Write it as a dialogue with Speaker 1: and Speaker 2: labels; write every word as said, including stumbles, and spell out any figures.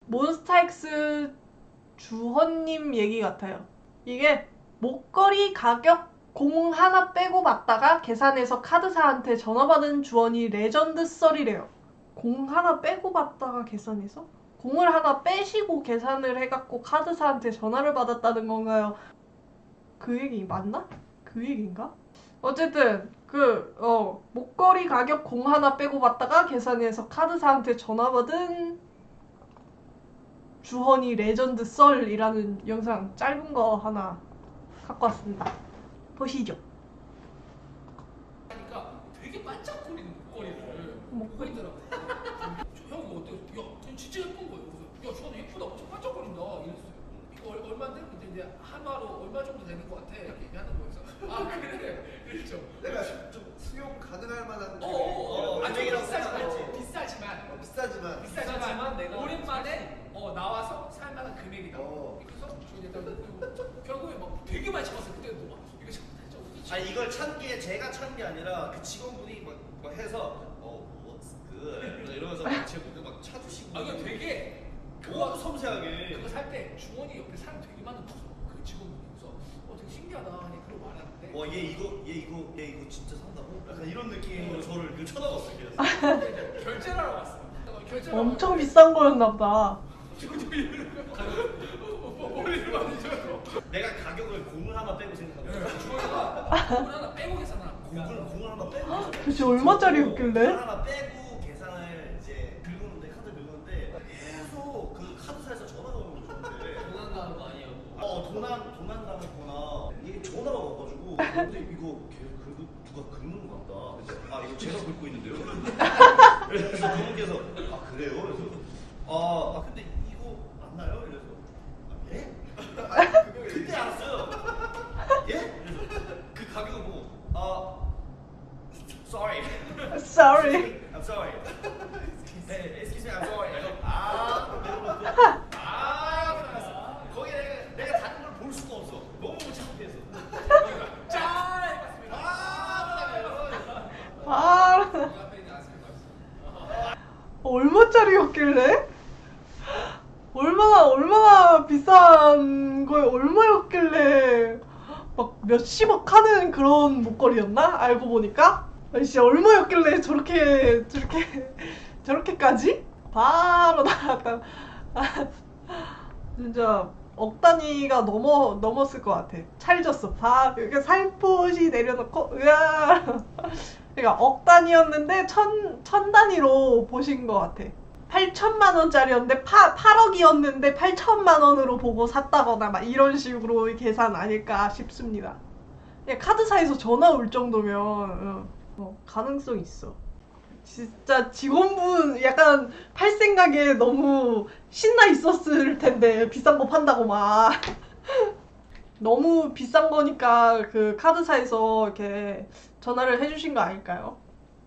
Speaker 1: 몬스타엑스 주헌님 얘기 같아요. 이게 목걸이 가격 공 하나 빼고 받다가 계산해서 카드사한테 전화받은 주원이 레전드 썰이래요. 공 하나 빼고 받다가 계산해서? 공을 하나 빼시고 계산을 해갖고 카드사한테 전화를 받았다는 건가요? 그 얘기 맞나? 그 얘기인가? 어쨌든 그 어 목걸이 가격 공 하나 빼고 받다가 계산해서 카드사한테 전화받은 주헌이 레전드 썰이라는 영상 짧은 거 하나 갖고 왔습니다. 보시죠.
Speaker 2: 하니까 되게 반짝거리는 목걸이를
Speaker 1: 목걸이?
Speaker 2: 보이더라고. 형 이거 어때? 야, 진짜 예쁜 거예요. 그래서 야, 저는 예쁘다. 엄청 반짝거린다. 이랬어요. 이거 얼- 얼마인데? 근데 이제 한화로 얼마 정도 되는 것 같아. 이렇게 얘기하는 거여서 아 그래. 그렇죠.
Speaker 3: 내가 좀 수용 가능할 만한
Speaker 2: 어어어. 아, 좀
Speaker 3: 금액이라고
Speaker 2: 비싸지만
Speaker 3: 생각하지.
Speaker 2: 비싸지만
Speaker 3: 비싸지만
Speaker 2: 비싸지만
Speaker 4: 비싸지만 내가
Speaker 2: 오랜만에 어 나와서 살 만한 금액이다.
Speaker 3: 어.
Speaker 2: 그래서 저희 일단 결국에 막 되게 많이 잡았어요. 그때도 막 이거 진짜 어디지?
Speaker 4: 아 이걸 찬 게 제가 찬 게 아니라 그 직원분이 막, 막 해서 어 what's good 이러면서 막 제 목에 막 차주시고
Speaker 2: 아 이거 되게
Speaker 4: 너무 섬세하게
Speaker 2: 그거 살 때 주원이 옆에 사람 되게 많은 거죠. 그 직원분이 그래서 어 되게 신기하다 하니 그러고 말하는데
Speaker 4: 와 얘 이거 얘 이거 얘 이거 진짜 산다고? 약간 이런 느낌으로 저를 그 쳐다봤어요. 그래서
Speaker 2: 근데 결제를 하러 왔어. 결제를
Speaker 1: 엄청 비싼 거였나 보다.
Speaker 2: 머리를 많이 줘요.
Speaker 4: 내가 가격을 공을 하나 빼고 생각하고
Speaker 2: 주원이가 돈 하나 빼고 계산하는
Speaker 4: 공을
Speaker 2: 거야.
Speaker 4: 공을 하나 빼고
Speaker 1: 도대체 얼마짜리였길래?
Speaker 4: 공을 하나 빼고 계산을 이제 긁었는데 카드 긁었는데 계속 그 카드사에서 전화가 오는 거였는데
Speaker 2: 도난당한 거 아니에요?
Speaker 4: 어 도난 도난 당했거나 이게 전화가 와가지고 근데 이거 걔 긁 누가 긁는 것 같다. 그래서 아 이거 제가 긁고 있는데요. 그래서 그분께서 아 그래요? 그래서 아, 아 근데 이거 맞나요? 이래서 아, 예? 아, 그때 알았어요. 예? 그래서 그 가격을 보고 아 sorry.
Speaker 1: Sorry.
Speaker 4: I'm sorry. 네, excuse me, I'm sorry. 아, 내려놓고 아, 그래서 거기 내가, 내가 다른 걸 볼 수가 없어. 너무 창피해서.
Speaker 2: 짠! 해봤습니다.
Speaker 4: 아,
Speaker 1: 아,
Speaker 2: 그 앞에 있는 아스팔트.
Speaker 1: 얼마짜리였길래? 얼마나 얼마나 비싼 거에 얼마였길래 막 몇십억 하는 그런 목걸이였나? 알고 보니까 아니 진짜 얼마였길래 저렇게 저렇게 저렇게까지? 바로 나갔다. 아, 진짜 억 단위가 넘어 넘었을 것 같아. 찰졌어. 바 이렇게 살포시 내려놓고 으아. 그러니까 억 단위였는데 천, 천 단위로 보신 것 같아. 팔천만 원짜리였는데 파, 팔억이었는데 팔천만 원으로 보고 샀다거나 막 이런 식으로 계산 아닐까 싶습니다. 그냥 카드사에서 전화 올 정도면 어, 어, 가능성 있어. 진짜 직원분 약간 팔 생각에 너무 신나 있었을 텐데 비싼 거 판다고 막 너무 비싼 거니까 그 카드사에서 이렇게 전화를 해주신 거 아닐까요?